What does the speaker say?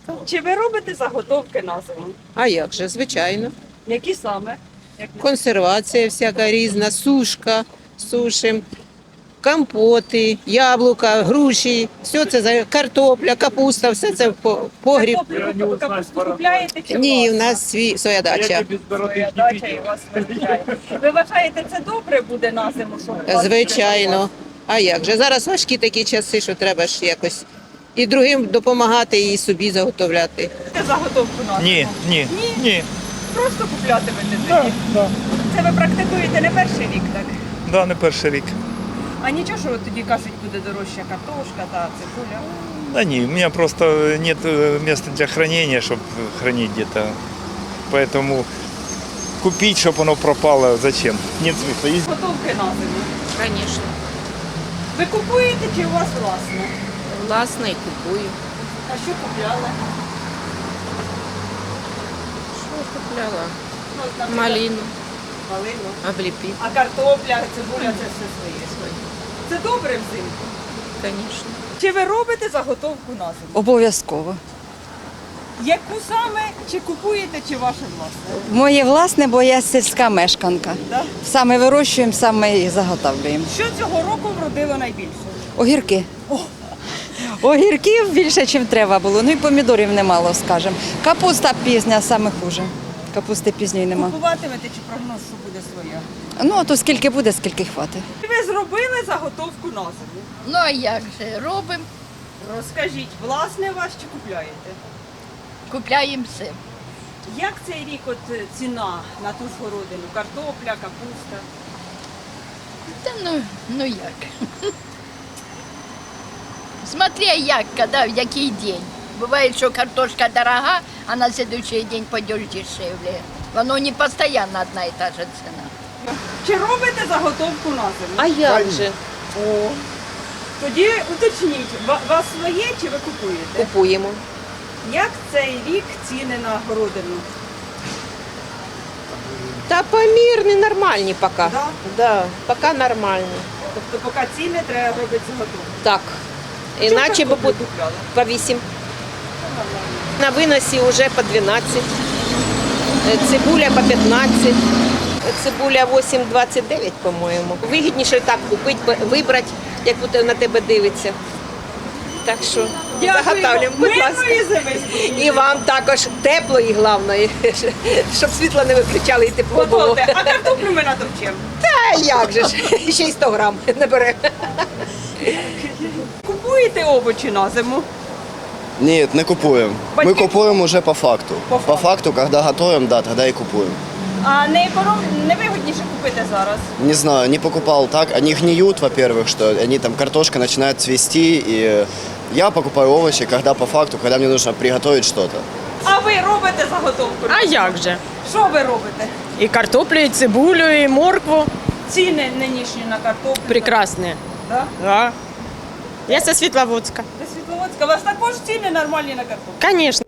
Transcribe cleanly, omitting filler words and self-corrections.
Чи ви робите заготовки на зиму? А як же, звичайно. Які саме? Консервація всяка різна, сушка, сушим, компоти, яблука, груші, все це картопля, капуста, все це в погріб. Капусту купляєте чи Ні, у власна? нас своя дача. Своя дача і у вас вистачає. Ви вважаєте, це добре буде на зиму? Що у вас Звичайно. А як же? Зараз важкі такі часи, що треба ж якось і другим допомагати, і собі заготовляти. буде заготовку на зиму? Ні. Просто куплятимете тоді? Да. Це ви практикуєте не перший рік, так? Да, не перший рік. А нічого, що от тоді кажуть, буде дорожча картошка та цибуля? Да не, у меня просто нет места для хранения, чтобы хранить где-то. Поэтому купить, чтобы оно пропало, зачем? Нет смысла. Готовки на зиму. Звісно. Ви купуєте чи у вас власне? Власне, і купую. А що купляли? Що купляла? Ну, наприклад, Малину, малину. обліпі. А картопля, цибуля це все своє. Це добре взимку. Звісно. Чи ви робите заготовку на зиму? Обов'язково. Яку саме? Чи купуєте, чи ваше власне? Моє власне, бо я сільська мешканка. Да? Саме вирощуємо, саме і заготовлюємо. Що цього року вродило найбільше? Огірки. Огірків більше, ніж треба було. Ну і помідорів немало, скажімо. Капуста пізня, саме хуже. Капусти пізньої нема. Купуватимете чи прогноз, що буде своя? Ну, то скільки буде, скільки хватить. Чи ви зробили заготовку на зиму? Ну а як же, робимо, Розкажіть, власне вас чи купляєте? купляємо все. Як цей рік от ціна на ту ж городину? Картопля, капуста? Та ну як. Смотря як, коли, в який день. Буває, що картошка дорога, а на следующий день пойдеш дешевле. Воно не постійно одна і та же ціна. Чи робите заготовку на зиму? А як же? О. Тоді уточніть, вас своє чи ви купуєте? Купуємо. Як цей рік ціни на городину? Та помірні, нормальні поки. Да? Да, поки нормальні. Тобто поки ціни треба робити заготовку. Так. Іначе Чому б картоплю купляли? по 8. На виносі вже по 12. Цибуля по 15. Цибуля 8,29, по-моєму. Вигідніше так купити, вибрати, як буде на тебе дивиться. Так що заготовлюємо, будь ласка. Мирної зими. І вам також тепло і головне, щоб світло не виключали і тепло було. Готовте. А картоплю ми натовчемо. А як же ж, ще й 100 грам не бере. Купуєте овочі на зиму? Нет, не купуем. Батьки Мы купуем уже по факту. По По факту, когда готовим, да, тогда и купуем. А не вигідніше купити зараз? Не знаю, не покупал так. Они гниют, во-первых, что они там, картошка начинает цвести. И я покупаю овощи, когда по факту, когда мне нужно приготовить что-то. А ви робите заготовку? А як же? Що ви робите? І картоплю, і цибулю, і моркву. Ціни нинішні на картоплю? Прекрасні. Да? Да. Я со Світловодська. Ви Світловодська, у вас також ціни нормальні на картоплю? Конечно.